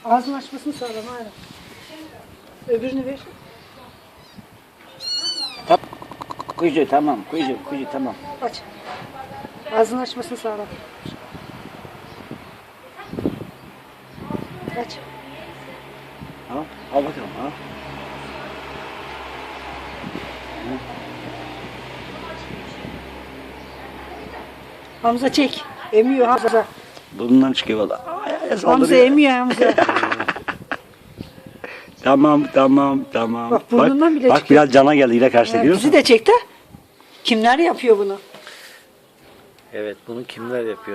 Ağzını açmasını sağlam hala. Öbürünü ver. Kuzu tamam, kuzu tamam. Aç. Ağzını açmasını sağlam. Aç. Al bakalım al. Hamza çek. Emiyor Hamza. Bundan çıkıyor valla. Hamza emiyor Hamza. Tamam. Bak burnundan bile bak çıkıyor. biraz cana geldi yine karşıda görüyor musun? Bizi de çek de. Kimler yapıyor bunu? Evet, bunu kimler yapıyor?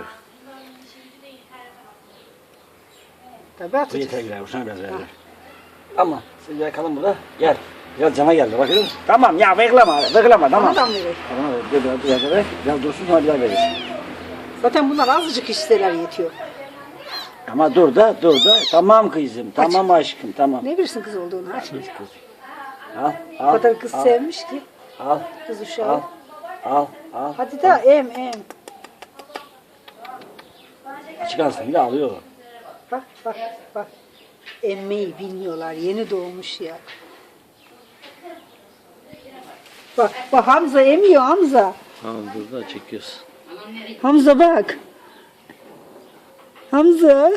Tabii atacak. Yeter gider, hoşuna biraz verdi. Ama siz yakalım burada. Gel. Biraz cana geldi bakıyor musun? Tamam ya bekleme tamam. Bana da mı verelim? Tamam biraz dursun sonra bir daha veririz. Zaten bunlar azıcık isteler yetiyor. Ama dur da. Tamam kızım, tamam aşkım, tamam. Ne bilirsin kız olduğunu? Aç. Al, O kadar kız sevmiş ki. Al, Kız uşağı. al. Hadi de em. Çıkarsın yine alıyor. Bak. Emmeyi bilmiyorlar. Yeni doğmuş ya. Bak Hamza emiyor Hamza. Tamam, dur da çekiyorsun. Hamza bak. Hamza.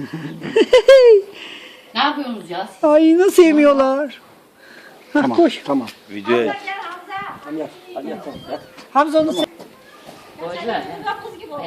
Ne yapıyorsunuz ya? Ay nasıl emiyorlar. Tamam, Koş. tamam. Videoya Hadi yat, tamam, yat. Hamza onu Boş ver.